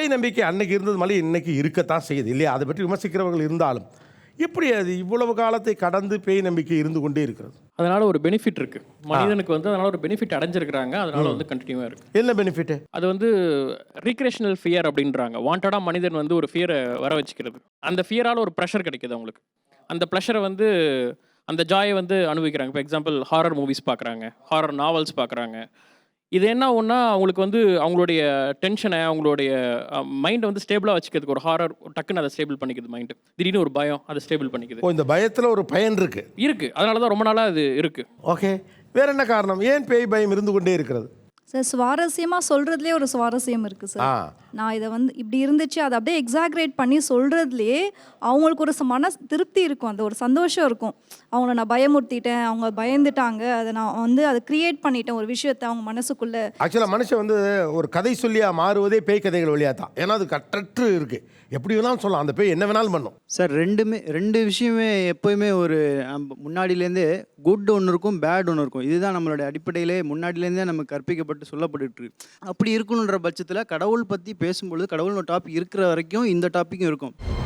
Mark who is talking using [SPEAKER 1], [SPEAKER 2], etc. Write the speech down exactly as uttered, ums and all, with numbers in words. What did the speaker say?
[SPEAKER 1] பேய் நம்பிக்கை அன்னைக்கு இருந்தது மாதிரி இன்னைக்கு இருக்கத்தான் செய்யுது இல்லையா? அதை பற்றி விமர்சிக்கிறவர்கள் இருந்தாலும் எப்படி அது இவ்வளவு காலத்தை கடந்து பேய் நம்பிக்கை இருந்து கொண்டே இருக்கிறது?
[SPEAKER 2] அதனால ஒரு பெனிஃபிட் இருக்கு மனிதனுக்கு வந்து, அதனால ஒரு பெனிஃபிட் அடைஞ்சிருக்கிறாங்க. அதனால வந்து கண்டினியூவா இருக்கு.
[SPEAKER 1] என்ன பெனிஃபிட்?
[SPEAKER 2] அது வந்து ரீக்ரியேஷனல் ஃபியர் அப்படின்றாங்க. வாண்டடா மனிதன் வந்து ஒரு ஃபியரை வர வச்சுக்கிறது. அந்த ஃபியரால ஒரு ப்ரெஷர் கிடைக்குது அவங்களுக்கு. அந்த ப்ரெஷரை வந்து அந்த ஜாயை வந்து அனுபவிக்கிறாங்க. இப்போ எக்ஸாம்பிள் ஹாரர் மூவிஸ் பார்க்குறாங்க, ஹாரர் நாவல்ஸ் பார்க்குறாங்க. இது என்ன ஒன்றா அவங்களுக்கு வந்து அவங்களுடைய டென்ஷனை, அவங்களுடைய மைண்டை வந்து ஸ்டேபிளாக வச்சுக்கிறதுக்கு ஒரு ஹாரர் டக்குன்னு அதை ஸ்டேபிள் பண்ணிக்குது. மைண்டு திடீர்னு ஒரு பயம் அதை ஸ்டேபிள் பண்ணிக்குது.
[SPEAKER 1] ஓ, இந்த பயத்தில் ஒரு பயன் இருக்கு
[SPEAKER 2] இருக்கு அதனால தான் ரொம்ப நாளாக அது இருக்கு.
[SPEAKER 1] ஓகே, வேற என்ன காரணம்? ஏன் பேய் பயம் இருந்து கொண்டே இருக்கிறது?
[SPEAKER 3] சார் சுவாரஸ்யமாக சொல்கிறதுலே ஒரு சுவாரஸ்யம் இருக்குது சார்.
[SPEAKER 1] ஆ
[SPEAKER 3] நான் இதை வந்து இப்படி இருந்துச்சு அதை அப்படியே எக்ஸாக்ரேட் பண்ணி சொல்கிறதுலே அவங்களுக்கு ஒரு ச- மன திருப்தி இருக்கும், அந்த ஒரு சந்தோஷம் இருக்கும். அவங்கள நான் பயமுறுத்திட்டேன், அவங்க பயந்துட்டாங்க, அதை நான் வந்து அதை கிரியேட் பண்ணிட்டேன் ஒரு விஷயத்தை அவங்க மனசுக்குள்ளே.
[SPEAKER 1] ஆக்சுவலாக மனுஷன் வந்து ஒரு கதை சொல்லியாக மாறுவதே பேய் கதைகள் வழியாக தான். ஏன்னா அது கற்றற்று இருக்குது, எப்படி வேணாலும் சொல்லலாம், அந்த பேய் என்ன வேணாலும் பண்ணும்.
[SPEAKER 4] சார் ரெண்டுமே ரெண்டு விஷயமே எப்போயுமே ஒரு நம்ம முன்னாடியிலேருந்தே குட் ஒன்று இருக்கும், பேட் ஒன்று இருக்கும். இதுதான் நம்மளுடைய அடிப்படையிலே முன்னாடியிலேருந்தே நமக்கு கற்பிக்கப்பட்டு சொல்லப்பட்டுட்டு இருக்கு. அப்படி இருக்கணுன்ற பட்சத்தில் கடவுள் பற்றி பேசும்பொழுது கடவுள்னு டாபிக் இருக்கிற வரைக்கும் இந்த டாப்பிக்கும் இருக்கும்.